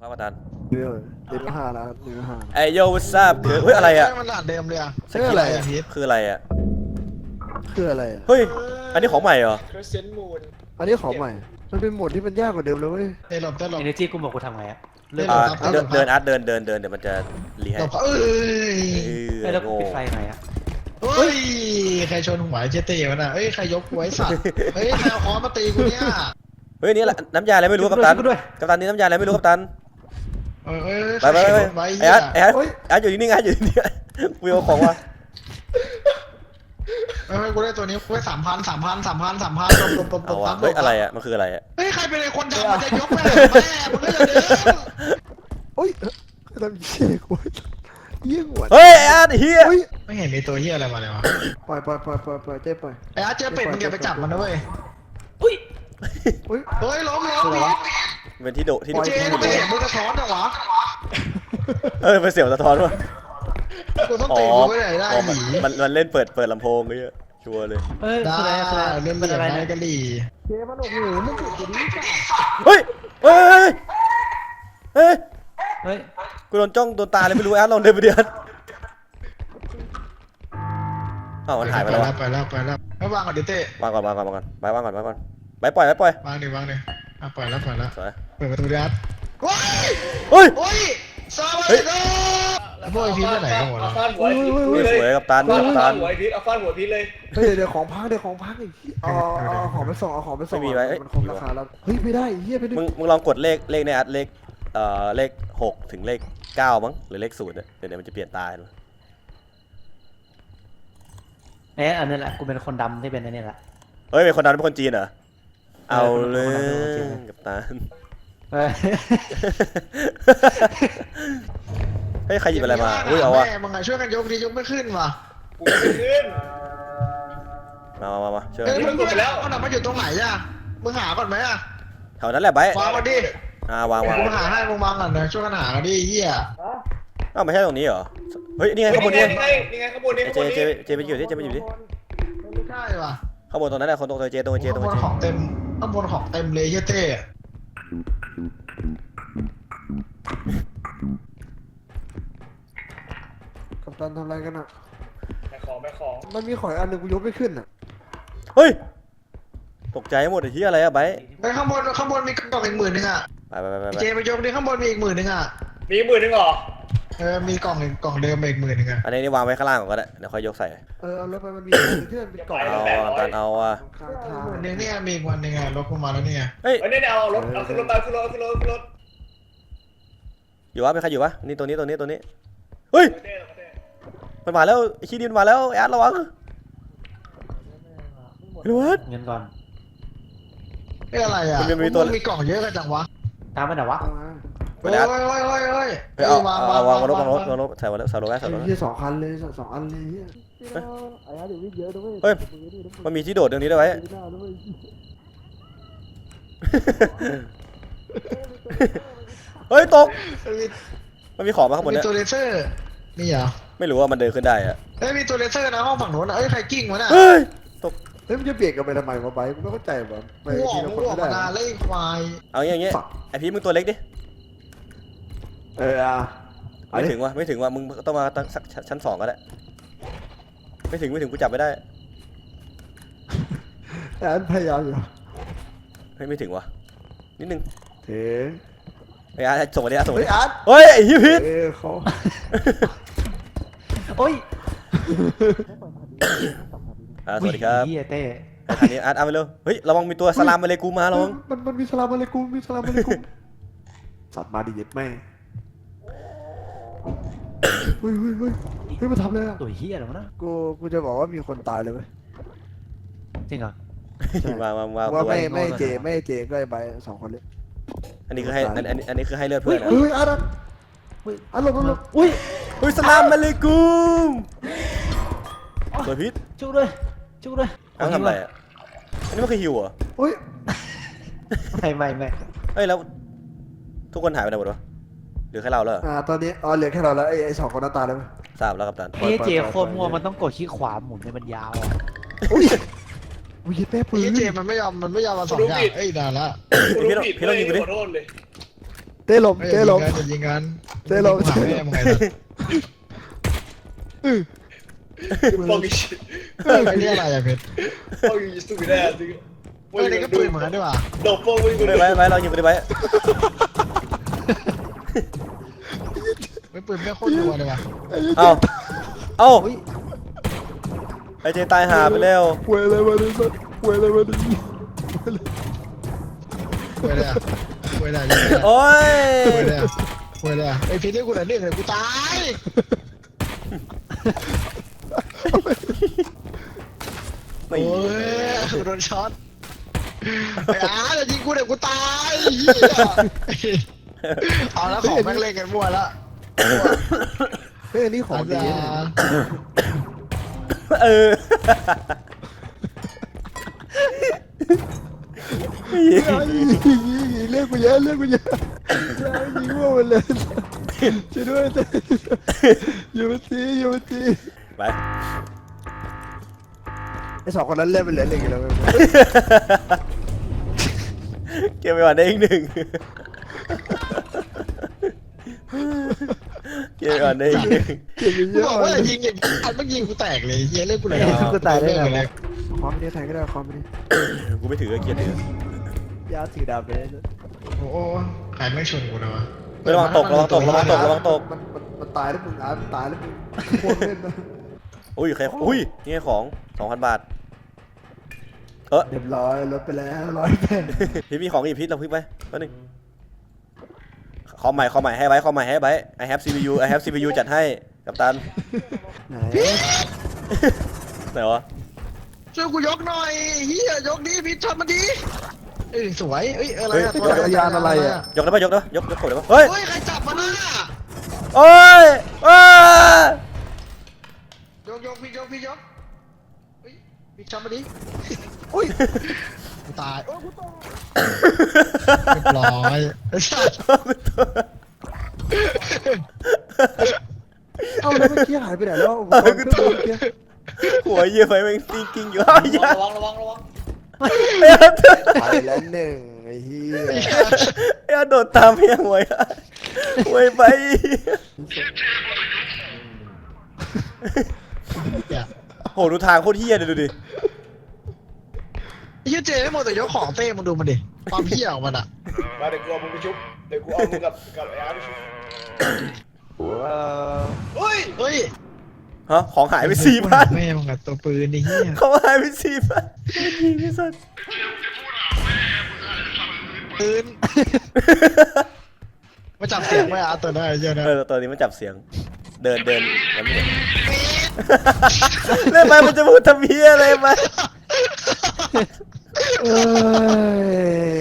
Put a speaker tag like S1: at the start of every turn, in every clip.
S1: ครับอาจารย์
S2: เรื่องเดือนห้าแล้วเดือนห้า
S1: ไอโยวัสบคือเฮ้ยอะไรอ่ะ
S3: มันด่านเดิมเลยอ่ะ
S2: ชื่ออะไรอะ
S1: คืออะไรอ่ะ
S2: คืออะไรอ่ะ
S1: เฮ้ยอันนี้ของใหม่เหรอ
S4: Crescent Moon
S2: อันนี้ของใหม่ มันเป็นโหมดที่มันยากกว่าเดิมเลยเว้ย
S3: เต้หลบเต้หลบ
S5: เอเนจีกูบอกกูทำไงอะเริ่ม
S1: อ่า
S3: ครับ
S1: เดินอาร์ตเดินเดี๋ยวมันจะรี
S3: ห
S1: ให้
S3: ลบเอ้ย
S5: ไอ้แล้วกู
S1: โง่
S5: ปิดไฟหน่อยอะ
S3: เฮ้ยใครชนหัวเจเต้วะน่ะเอ้ยใครยกไว้สัตว์เฮ้ยใครเอาค้อนมาตีกูเนี่ย
S1: เฮ้ยนี่แหละน้ำยาอะไรไม่รู้กัปตัน
S5: กูด้วย
S1: กัปตันนี่น้ำยาอะไรไม่รู้กัปตัน
S3: เอ้ย
S1: ไป
S3: ใครชนไว้
S1: ไอ
S3: เหี้ย
S1: อาร์ตไออาร์ตไออาร์ตอยู่นิ่งๆไออาร์ตอยู่นิ่งๆกูเอาของมา
S3: เฮ้ยกูได้ตัวนี้ไว้3,000ตบ
S1: เอาวะเฮ้ยอะไรอ่ะมันคืออะไรอ่ะ
S3: เฮ้ยใครเป็นไอ้คนทำมันจะยกแม่มึงก็จะเดิน
S2: โอ้ยทำเชี่ยกูเยี่ยงหัว
S1: เฮ้ยไออาร์ตเฮีย
S2: เฮ้ย
S3: ไม่เห็นมีตัวเหี้ยอะไรมาเลยวะ
S2: ปล่อยเจ๊ปล่อย
S3: ไอ้อาร์ตเจอเป็ดมึงอย่าไปจับมันนะเว้ย
S5: อุ้ย
S2: เฮ้ย
S3: เฮ้ยล้มพีท
S1: เป็นที่โดที่
S3: เจนไม่เห็นมึงกระท้อนจังวะ
S1: เป็นเสียงสะท้อนวะ
S3: กูต้อง
S1: อ๋อ
S3: ตีกูไว้ไหนได้
S1: อ๋อ
S3: หนี
S1: มันเล่นเปิดลำโพงเลยชัวร์เลย
S5: เฮ้ย
S3: ได้
S5: คืออะไรคืออะไร
S3: เล่น
S5: เป็นอะไร
S3: อะไร
S5: นะ
S3: กันดี
S2: เจ๊มันโอ้โหมึงจะดีจ้ะ
S1: เฮ้ยเฮ้ยเฮ้ย
S5: เฮ้ย
S1: กูโดนจ้องโดนตาเลยไม่รู้แอดลองเดินไปเดือนอ้าวมันหายไปแล้ววะ
S3: ไปแล้วไม่วางก่อนดิเต้
S1: วางก่อนไปวางก่อนไปปล่อยวาง
S3: ดิอ่ะปล่อยแล้ว
S1: สวย
S3: เปิดประตูดิอาร์ตว้าย
S1: เฮ้ย
S3: โอ้ยซาบะโดแล้วพวกไอพีไปไหนกันหมด
S4: เอา
S3: แล้ว
S4: ฟาดหัวไอ้พีท
S1: สวยกับตัน
S4: ฟาด
S1: กับตัน
S4: หัวไอ้พีทเอาฟาดหัวพีทเลย
S2: เฮ้ยเดี๋ยวของพังไอ้ที่เอาของไปส่งมันคงราคาแล้วเฮ้ยไม่ได้เฮียไปดึง
S1: มึงลองกดเลขในอัดเลข6ถึงเลข9มั้งหรือเลข0เนี่ยเดี๋ยวมันจะเปลี่ยนตาดู
S5: เอ๊ะอันนี้แหละกูเป็นคนดำที่เป็นอันนี้แหละ
S1: เฮ้ยเป็นคนนั้นเป็นคนจีนเหรอเอาเลยกับตัน
S5: เฮ้ย
S1: เฮ้ยใครหยิบอะไรมาอุ้ยเอาวะ
S3: แม่มึงไงช่วยกันยกดิยกไม่ขึ้นว่ะ
S4: กูไม่ขึ้น
S1: มาช่วย
S3: เอ้ย
S1: กัน
S3: มึงกดแล้วมันอยู่ตรงไหนอ่ะมึงหาก่อนไหมอ่ะ
S1: แถวนั้นแหละไบ
S3: วางมาดิ
S1: วาง
S3: กูหาให้มึงวางก่อนนะช่วยกันหากันดิเฮีย
S1: อ้าวไม่ใช่ตรงนี้เหรอเฮ้ยนี่ไงข้างบนนี่
S4: นี่ไงข้างบนนี่
S1: เจไปอยู่ดิ
S3: ไม่ใช่ว่ะ
S1: ข้างบนตรงนั้นแหละคนตรงเจตรงเจ
S3: ข้างบนของเต็มข้างบนของเต็มเลยเฮียเต้
S2: กัปตันทำอะไรกันอ่ะ
S4: แม่ของ
S2: มันมีของอันหนึ่งกูยกไม่ขึ้นอ่ะ
S1: เฮ้ยตกใจหมดไอ้ที่อะไรอะไบ
S3: ไปข้างบนมีกล่องอีก10,000อ่ะ
S1: ไป
S3: เจไปยกดิข้างบนมีอีก10,000อ่ะ
S4: มีหมื่นหนึ่งเหรอ
S3: มีกล่องเดิมอีก10,000อ่ะ
S1: อันนี้วางไว้ข้างล่างก่อนก็ได้เดี๋ยวค่อยยกใส่
S2: เอารถไปมันมีที่มันเป็นกล่อง
S1: เอาตันเอาอ่ะ
S2: ข้างทาง
S3: เนี่ยมีอีกวันหนึ่งอ่ะรถกูมาแล้วเนี่ย
S1: เฮ้ย
S4: เฮ้ยเนี่ยเอารถเอาขึ้นรถไปขึ้นรถ
S1: อยู่วะเป็นใครอยู่วะนี่ตัวนี้เฮ้ยมันมาแล้วไอ้ขี้ดินมาแล้วแอดระวังระวัง
S5: เงินก่อน
S3: อะไรอ่ะมีกล่องเยอะกันจังวะ
S5: ตามไปไหนวะ
S1: ไปแล้ว
S3: เฮ้ย
S1: เอาวางรถใส่รถไว้
S2: ไอ้ที่2 คันเลย2 อันเลยเฮียไอ้เดี๋ยววิ่งเยอะด้วย
S1: เฮ้ยมันมีที่โดดตรงนี้ด้วยไว้เฮ้ยตกมันมีของมาข้างบน
S3: มี
S1: เนี่ย
S3: ตัวเลเซอร์มีเหรอ
S1: ไม่รู้ว่ามันเดินขึ้นได้อะ
S3: มีตัวเลเซอร์นะห้องฝั่งโน้นนะใครกิ้งวะน่ะ
S1: เฮ้ยตก
S2: เฮ้ยมันจะเปลี่ยนกันไปทำไมวะไบกูไม่เข้าใจวะไป
S3: กูออ
S2: ที
S3: ก
S2: ละ
S3: กู
S2: คน
S3: ออก
S2: ไม่
S3: มา
S2: ได้
S3: นานเลยควาย
S1: เอาอย่างเงี้ยไอพี่มึงตัวเล็กดิ ไม่ถึงว่ะมึงต้องมาตั้งชั้น2ก็ได้ไม่ถึงกูจับไม่ได้
S2: แต่อันพยายามอยู่
S1: ไม่ถึงว่ะนิดนึง
S2: เถอะ
S1: ไอ้อาร์ตส่งมาดิอาร์ตส่งมา
S2: เฮ้ย
S1: ดิ
S2: อาร์ต
S1: เฮ้ยไอ้ฮิพิษ
S2: เขา
S5: โอ้ย
S1: สวัสดีครับ
S5: เฮียเต้
S1: ทางนี้อาร์ตเอาไปเร็วเฮ้ยระวังมีตัวสลามมาเลยกูมาระวัง
S2: มันมีสลามอะไรกูสัตว์มาดิเย็ดแม่เฮ้ยมาทำเลยอ่ะ
S5: ตัวเฮียอะไรวะนะ
S2: กูจะบอกว่ามีคนตายเลยเว้ย
S5: จริงเหรอ
S1: มา
S2: ว่า
S1: ตัว
S2: ไม่เจก็ไอ้ใบ2 คนเลย
S1: อันนี้คือให้อันนี้คือให้เลือดเพื่อนนะ
S2: เฮ้ยอาร์ตหลบ
S5: อุ้ย
S1: เฮ้ยสลามมาเลยกูตัวพิษ
S5: ชุกด้วย
S1: เอาทำอะไรอ่ะอันนี้มันคือฮิวเหรอ
S2: เฮ้ย
S5: ไม่
S1: เฮ้ยแล้วทุกคนหายไปไหนหมดวะหรือแค่เราแล้ว
S2: ตอนนี้เหลือแค่เราแล้วไอ้2 คนนั้นตายแล้ว
S1: ทราบแล้วกัปตัน
S5: ไอ้เจโคตรมัวมันต้องกดขี้ขวาหมุนให้มันยาวอะ
S2: อุ้ยแม่ปืน
S3: เจมันไม่ยอมมา2 อย่างนานละ
S4: กูรู้ผิดเลยขอโทษเลย
S2: เต้หลบ
S3: เฮ้ย
S2: เต้หลบ
S3: จะยิงกัน
S2: เต้หลบ
S3: หาแม่มึงไงล่ะ
S4: ฟอกอีชิ
S3: เฮ้ยนี่อะไรอะเพชร
S4: ฟอกอีสุดแน่จริง
S3: เฮ้ยนี่ก็ปืนเหมือนกันด้วยว่ะ
S4: ดอกฟอกไม่
S1: ไปไปเรายิงไปไป
S3: ไม่ปืนไม่โคตรรัวเลยว่ะ
S1: เอ้าเอ้าไอเจตายหาไปแล้ว
S2: หวยอะไรมาดิสัสหวยอะไรมาดิ
S3: เว้ยเลยอะเว้ยเลย
S1: โอ้ย
S3: เว้ยเลยเว้ยเลยไอ้เพชรนี่กูไหนเรื่องเลยกูตายโอ้ยโดนช็อตไอ้อาร์จะยิงกูเดี๋ยวกูตายเหี้ยเอาแล้วของแม่งเล่นกันมั่วละ
S2: เฮ้ยอันนี้ของดีนะ
S1: เออ
S2: เรียกกูเยอะเรียกกูเยอะยิงว่ามันเลยช่วยด้วยอยู่มาตีอยู่มาตี
S1: ไป
S2: ไอ้สองคนนั้นเล่นเป็นเหลือหนึ่งแล้ว
S1: เก็บไปก่อนได้อีกหนึ่งเก็บไปก่อนได้อีกหนึ่ง
S2: เก่งเย
S3: กู
S2: อะ
S3: บอกว่าอย่ายิงอย่างนี้อันมันยิงกูแตกเลยเฮียเล่นกูเลย
S5: กูตายได้ไงวะ
S2: ความนี้แทงก็ได้ความนี้
S1: กูไม่ถือเกียร์ถือย
S2: าถือดาบไปเลย
S3: โอ้โหใครไม่ชนกูนะวะ
S1: ระวังตกระวังตกระวังตกระวังตก
S2: มันตายแล้วมึงมันตายแล้วมึงโคตรเล่นนะ
S1: อุ้ยใครอุ้ยนี่ไงของ 2,000 บาทเออ
S2: เรียบร้อยลดไปแล้ว100
S1: พี่มีของอีกพิษเราพึ่งไปแป๊บนึงขอใหม่ให้ไว้ขอใหม่ให้ไว้ I have CPU จัดให้กัปตัน
S2: ไหน
S1: ไหนวะ
S3: ช่วยกูยกหน่อยเฮียยกดีพี่ทำมันดีสวยอะไรอะ
S2: จักรยานอะไรอ่ะ
S1: ยกได้ปะยกกดได้ปะเฮ้ย
S3: เฮ้ยใครจับมันน่ะ
S1: โอ้ยอ้าย
S3: กพี่ยกพี่ทำมันดีอุ้ยกูตายโอ้ยกูตายเรียบร้อยไอ้สัส
S2: เอ้าแล้วเมื่อกี้หายไปไหนแล้วอุปกรณ์เครื่องมือเมื่อกี้
S1: หัวเยี่ยไฟแม่งกิ้งอยู่อ้าวอย่า
S4: ระวัง
S2: ไปแล้วหนึ่งไอ้เหี้ย
S1: ไอ้โดดตามเพียงหวยหวยไป โหดูทางโคตรเฮี้ยเลยดูดิ
S3: ไอ้เหี้ยเจไม่หมดแต่ยกของเต้มึงดูมันดิความเหี้ยของมันอะ
S4: มาเดี๋ยวกูเอามึงไปชุบเดี๋ยวกูเอามึงกับไอ้อาร์ไปชุบเฮ้ย
S3: เฮ้ย
S1: ฮะของหายไป4,000
S3: แม่มึงกับตัวปืนไอ้เหี้ย
S1: เขาหายไป4,000ยิงไม่สัตว์
S3: ปืนมาจับเสียงไว้อะตัวได้เยอะนะ
S1: ตัวนี้มันจับเสียงเดินมันไม่เล่นไปมันจะพูดทำเพี้ยอะไรไป
S2: เอ้ย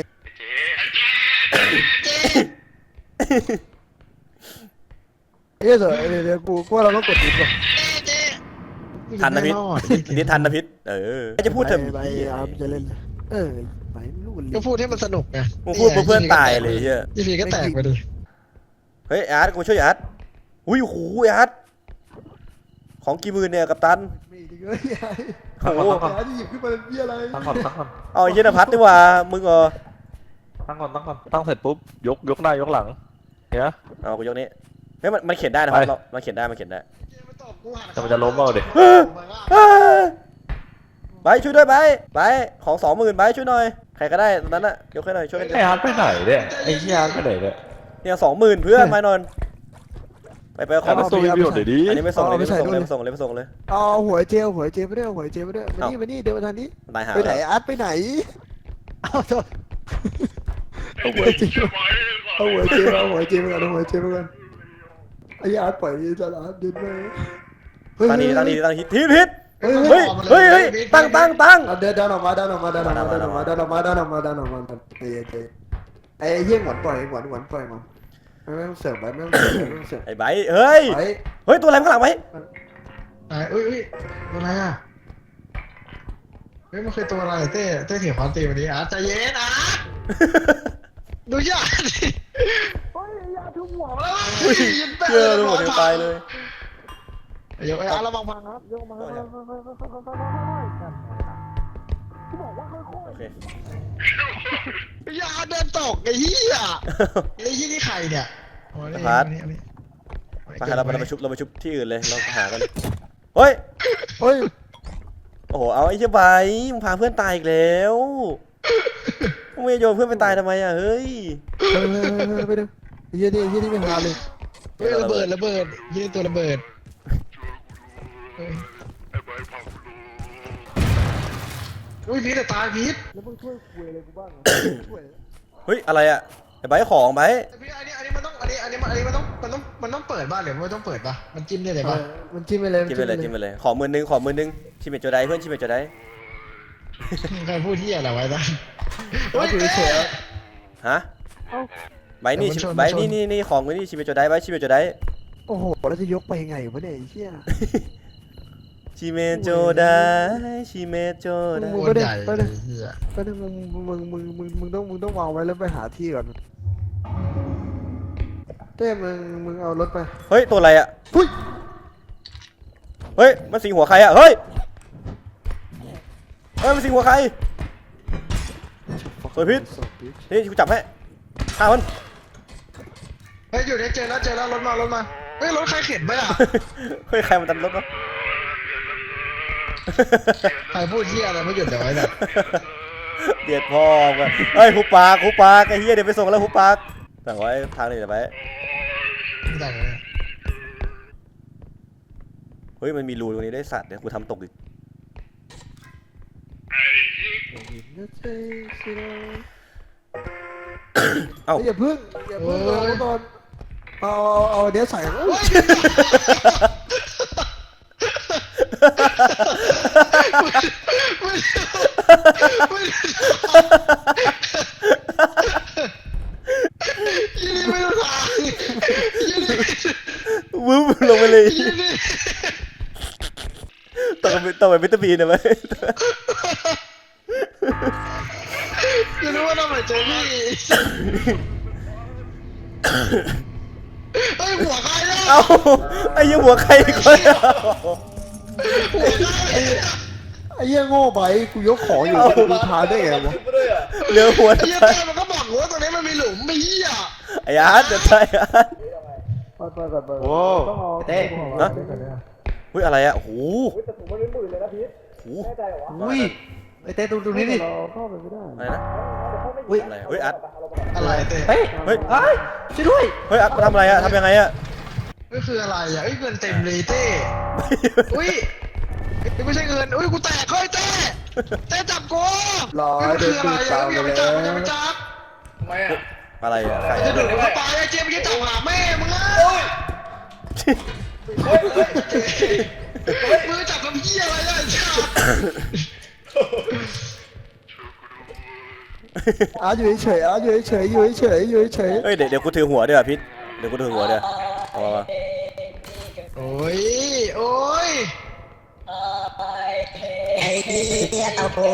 S2: เดี๋ยวกูว่าเราต้องกดดิสก่อน
S1: ทันนะพิษนี่ทันนะพิษจะพูด
S2: ไป
S1: เถอะ
S2: ไปอาร์มจะเล่นไปไม่รู้
S3: ก็พูดให้มันสนุกไง
S1: มึงพูดเพื่อนตายเลยเฮีย
S3: ยี่ปีก็แตกไปดิ
S1: เฮ้ยอาร์ตกูช่วยอาร์ตอุ้ยโหอาร์ตของกี่หมื่นเนี่ยกัปตัน
S2: มีจริงเลยยาย
S1: โอ้โห
S2: ยายที่หยิบขึ้นมาเป็นเบี้ยอะไร
S5: ตั้งก่อน
S1: เอาไอ้เหี้ยนภัทรดีกว่ามึงเหรอ
S5: ตั้งเสร็จปุ๊บยกหน้ายกหลังเนี่ย
S1: เอากูยกนี้เฮ้ยมันเขียนได้นะครับมันเขียนได้
S5: แต่มันจะล้มเอาดิ
S1: ไปช่วยด้วยไปของ20,000ไปช่วยหน่อยใครก็ได้ตอนนั้นน่ะยกให้หน่อยช่วยกัน
S5: ไอ้อาร์ตไปไหนเนี่ยไอ้เหี้ยอาร์ตไปไหนเนี่ย
S1: เนี่ย20,000เพื่อนมานอนไปขอ
S5: อาร์ตตัววิวเดี๋ยวดิ
S1: อันนี้ไม่ส่งเลยไม่ส่งเลย
S2: เอาหัวเจลไปด้วยหัวเจลไปด้วยมานี่เดินมาทางนี้
S1: ตายหา
S2: ไปไหนอาร์ตไปไหนเอาโทษเอาหัวเจลไปก่อนไอ้อาร์ตปล่อยจะอาร์ตยืนไป
S1: ตั้งทีทิศ
S2: เฮ้ย
S1: เฮ้ยตั้ง
S2: เดินออกมาเไอ้เหี้ยหงอนปล่อยหงอนปล่อยมันไม่ต้องเสิร์ฟไม่ต้องเสิร์ฟ
S1: ไอ้ใบเฮ้ยตัวอะไรข้างหลังไว้
S3: เอ้ยตัวอะไรอ่ะเฮ้ยมันเคยตัวอะไรเต้เถียงความตีวันนี้อาร์ตใจเย็นอาร์ตดูยากดิเฮ้ยยาทุ่มหัวแล้ว
S1: เชื่อรู้หมดตายเลย
S3: ยกไอ้อาร์ตระวังพังครับยกมา
S1: โอเค
S3: อย่าเดินตกไอ้เหี้ยไอ้ที่นี่ใครเนี่ยอ๋อนี่
S1: พาร์ท
S3: อันนี้
S1: ไปเราไปชุบที่อื่นเลยเราหากันเฮ้ย
S2: เฮ้ย
S1: โอ้โหเอาไอ้เหี้ยใบมึงพาเพื่อนตายอีกแล้วมึงไม่โยนเพื่อนไปตายทำไมอ่ะเฮ้ย
S2: ไปดูเฮียนี่ไม่หาเลย
S3: เฮ้ยระเบิดยี่ตัวระเบิดเฮ้ยอุ้ยพีทแต่ตายพีท
S2: แล้วมึงช่วยคุยอะไรกูบ้างช่วย
S1: เฮ้ยอะไรอ่ะไอ้ใบของใบ
S3: พีทอันนี้มันต้องมันต้องเปิดบ้านหรือไม่ต้องเปิดป่ะมันจิ้มได้เลยป่ะ
S2: มันจิ้มไปเลย
S1: จิ้มไปเลยขอมือนึงชิมเมจโจไดเพื่อนชิมเมจโจได
S3: ใครพูดที่อะไรไว้บ้าง
S2: เอาอยู่เฉย
S1: ฮะใบนี่
S3: มันชน
S1: ใบนี่ของกูนี่ชิมเมจโจไดใบชิมเมจโจได
S2: โอ้โหแล้วจะยกไปยังไงวะเนี่ยไอ้เหี้ย
S1: ชิเมโจไดชิเมโจได
S3: โคตรใหญ่เลยเหี้ย
S2: ก็นึกมึงต้องวางไว้แล้วไปหาที่ก่อนเต้มึงเอารถไป
S1: เฮ้ยตัวอะไรอ่ะ
S2: หุ้ย
S1: เฮ้ยมันสิงหัวใครอ่ะเฮ้ยมันสิงหัวใครสวยพิษนี่กูจับให้ฆ่ามัน
S3: เฮ้ยอยู่เนี่ยเจอแล้วรถมาเฮ้ยรถใครเข็นไปอ่ะ
S1: เฮ้ยใครมันตันรถวะ
S3: ใครพูดที่อะไรไม่หยุดเดี๋ยวไว้เนี่ย
S1: เดียดพ่อกันเฮ้ยหุบปากไอ้เหี้ยเดี๋ยวไปส่งแล้วหุบปากสั่งไว้ทางนี้เดี๋ยวไป
S3: ไม่ได้เลย
S1: เฮ้ยมันมีรูตรงนี้ได้สัตว์เดี๋ยวกูทำตกอีกเอ้า
S2: อย่าพึ่งเอาตอนเอาเดี๋ยวใส่
S3: ยี่นี่ไม่ต้องทางยี่นี่
S1: วึ้มลงไปเลย
S3: ยี่นี่
S1: ต้องไปวิตามินนะไหม
S3: กูรู้ว่าทำไมเจอพี่เฮ้ยหัวใครเนี่ย
S1: เอ้าไอ้ยังหัวใครอีกคนอ่ะ
S3: หัวใคร
S2: ไอ้เหี้ยโง่ไปกูยกของอยู่กูดูทางได้ไงวะ
S4: ไปด้วยอ่ะ
S1: เหลือหัว
S3: ไอ้เหี้ยเต้มันก็บอกว่าตรงนี้มันมีหลุมไม่เหี้ย
S1: ไอ้อาร์ตเดี๋ยวใช่อาร์ต
S2: ไป
S5: โอ้
S2: เต้
S1: ฮะเฮ้ยอะไรอ่ะโอ้โห
S4: แต่ถุงมันเป็นหมื่นเลยนะพีท
S1: โอ้โห
S4: แน่ใจเหรอวะ
S5: อุ้ยไอเต้ตรงนี้ดิ
S2: เข้าไปไม่ได้
S1: อะไรนะ
S5: อุ้ย
S1: อะไรเฮ้ยอาร์ต
S3: อะไรเต้
S5: เฮ้ย
S1: เฮ้ย
S5: เอ้ยช่วยด้วย
S1: เฮ้ยอาร์ตมาทำอะไรอ่ะทำยังไงอ่ะ
S3: ก็คืออะไรอ่ะเอ้ยเงินเต็มเลยเต้อุ้ยไม่ใช่เงินอุ้ยกูแตกเฮ้ยเต้จับกู
S2: รอ
S3: มัน
S2: เดิ
S3: คื
S2: น
S3: ออะไร
S2: ดู
S3: อ่ะ
S2: ตาม
S3: อย่า
S2: ไป
S3: ไป
S2: แล้
S3: จับ
S2: ว
S3: อย่าไปจับ
S4: ทำไมอ่ะ
S1: อะไรอ่ะใคร
S3: จะ
S1: อ่ะ
S3: ดูดเข้าไปไอ้เจมส์จะจับหาแม่มึงอ่ะ
S4: เฮ้ยเฮ้ย
S3: มือจับกับเหี้ยอะไรอ่ะจับ
S2: อยู่เฉยอยู่เฉย
S1: เฮ้ยเดี๋ยวกูถือหัวเดี๋ยวพิษเดี๋ยวกูถือหัวเดี๋ยวเอามา
S3: โอ้ยโอ้ย
S6: ไอ้เหี้ยเต้าโผ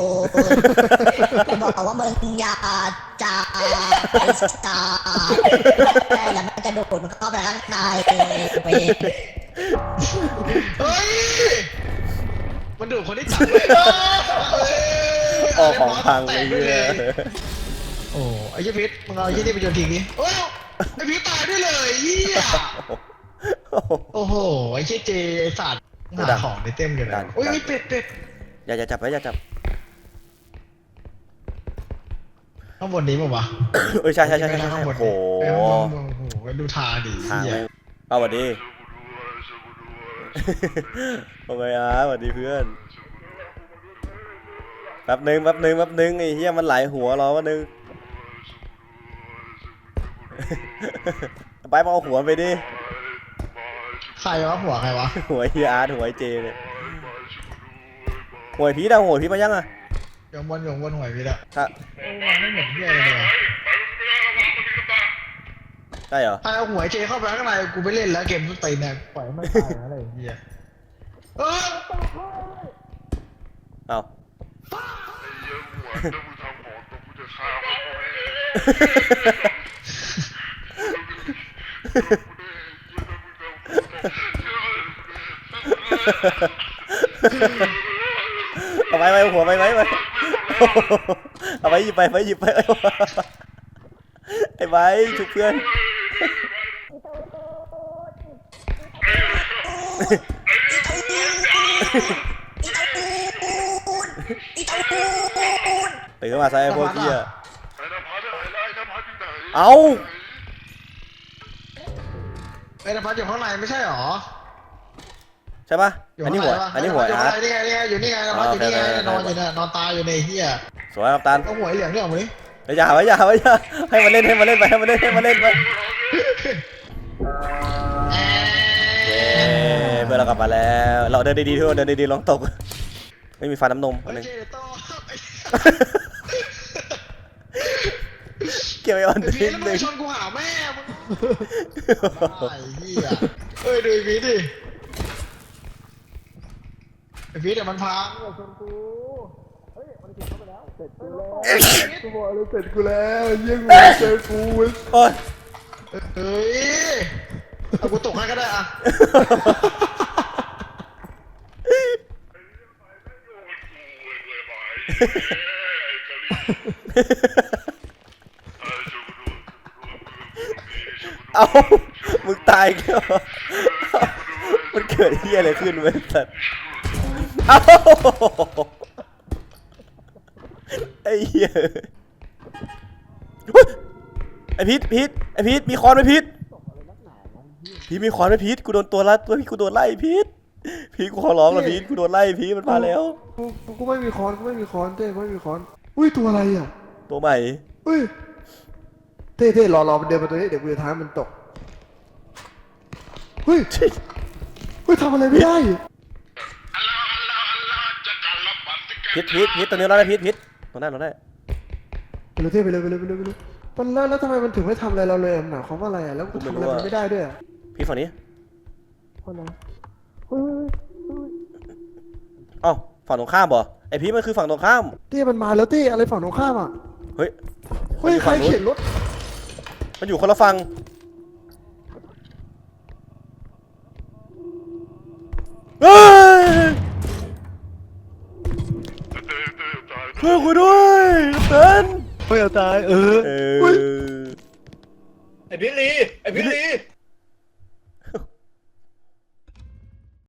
S6: บอกว่ามึงอย่าจะไปสตาร์แล้วมันจะดูดมันเข้าไปข้างในเว้ย
S3: เฮ้ยมันดูดคนที่จับเลย
S1: ออกของพังไปเยอะ
S3: โอ้ไอ้ยี่พิษมึงเอาไอ้ยี่นี่ไปโยนทิ้งดิโอ้ไอ้พิษตายด้วยเลยเหี้ยโอ้โหไอ้เจ๊เจไอ้สัตว์หาของในเต็มอยู่นะโอ้ยเป็ด
S1: อย่าจับไว้อย่าจับ
S3: ข้างบนนี้ป่าวะ
S1: เอ้ยใช่
S3: ข้างบน
S1: โอ้โห
S3: โอ้โหดูทาดิ
S1: ทาง
S3: เหี้ย
S1: เอาสวัสดีโอเคอ่ะสวัสดีเพื่อนแป๊บนึงไอ้เหี้ยมันไหลหัวรอแป๊บนึงไปมาเอาหัวไปดิ
S3: ใครวะหัวใครวะ
S1: หัวเฮียอาร์ตหัวไอเจเนี่ยหัวพีดเอาหัวพีมายังอ่ะ
S3: ยงบนหวยพี่ละ
S1: ถ้า
S3: มันไม่เหมือนเหี้ยเลยว่ะ
S1: ใช่เหรอ
S3: ถ้าเอาหัวเจเข้าไปข้างในกูไปเล่นแล้วเกมสุดตีนเนี่ยปล่อยไม่ตายอะไรเหี้ยเออ
S1: เอาเอาไปหัวไปเอาไปหยิบไปไปหยิบไปไอ้ไว้ชุบเพื่อน ตื่นขึ้นมาซะไอ้พวกเหี้ยเอา
S3: ไอ้นภัสอยู่ข้างในไม่ใช่หรอ
S1: ใช่ปะ
S3: อยู่
S1: อัน
S3: ข้าง
S1: นี้
S3: ใน
S1: หัว
S3: ปะ
S1: อันนี้หัว
S3: อยู่
S1: อา
S3: ข้าง
S1: ร์ต
S3: ในนี่ไงอยู่นี่ไงนภัสอยู่นี่ไงนอนอยู่เนี่ยนอนตายอยู่ในเฮีย
S1: สวยครับตัน
S3: เอาหัวเหลืองเนี่ยเอาไหม
S1: อย่าไว้อย่าไว้อย่าให้มันเล่นให้มันเล่นไปให้มันเล่นให้มันเล่นไปเย้เพื่อนเรากลับมาแล้วเราเดินดีๆทุกคนเดินดีๆลองตกไม่มีฟันน้ำนมอันนึง
S3: เจโต้
S1: เกี่ยวไอ้ออน
S3: ไอ้
S1: นิ
S3: พี
S1: ด
S3: แล้ว
S1: นึ
S3: มึง
S1: ง
S3: ชนกูหาแม่มึงไอ้เหี้ยเอ้ยดูไอ้พีดิไอ้พีเดี๋ยวมันพังชนกู
S2: กูบอกเลยเสร็จกูแล้วเยี่ยงเจอกู
S1: โอ้ย
S3: เฮ้ยเอากูตกให้ก็ได้อะ
S1: เอามึงตายแค่มันเกิดเหี้ยอะไรขึ้นเว้ยสัตว์เอาไอ้เหี้ยเฮ้ยไอ้พีทไอ้พีทมีคอนไหมพีทมีคอนไหมพีทกูโดนตัวละตัวพี่กูโดนไล่พีทกูขอร้องละพีทกูโดนไล่พีทมันมาแล้ว
S2: กูไม่มีค้อนกูไม่มีค้อนเต้ไม่มีค้อนอุ้ยตัวอะไรอ่ะ
S1: ตัวใหม่
S2: อุ้ยเต้รอมันเดินมาตัวนี้เดี๋ยวกูจะท้ามันตกเฮ้ยเฮ้ยทำอะไรไม่ได้
S1: พีทตัวนี้เราได้พีทตัวนั้นเราได้
S2: ไปเลยเต้ไปเลยมันแล้วทำไมมันถึงไม่ทำอะไรเราเลยหนาความว่าอะไรอ่ะแล้วกูทำอะไรมันไม่ได้ด้วยอ่ะ
S1: พีทฝั่งนี้
S2: เพราะอะไรเฮ้ย
S1: เอ้าฝั่งตรงข้ามบ่ไอพีทมันคือฝั่งตรงข้าม
S2: เต้มันมาแล้วเต้อะไรฝั่งตรงข้ามอ่ะ
S1: เฮ้ย
S2: เฮ้ยใครเข็นรถ
S1: มันอยู่คนละฝั่งเฮ้ยช่วยกูด้วยเต้น
S5: เฮ้ยเอาตายเออ
S1: เออ
S4: ไอ้พิษลีไอ้พิษลี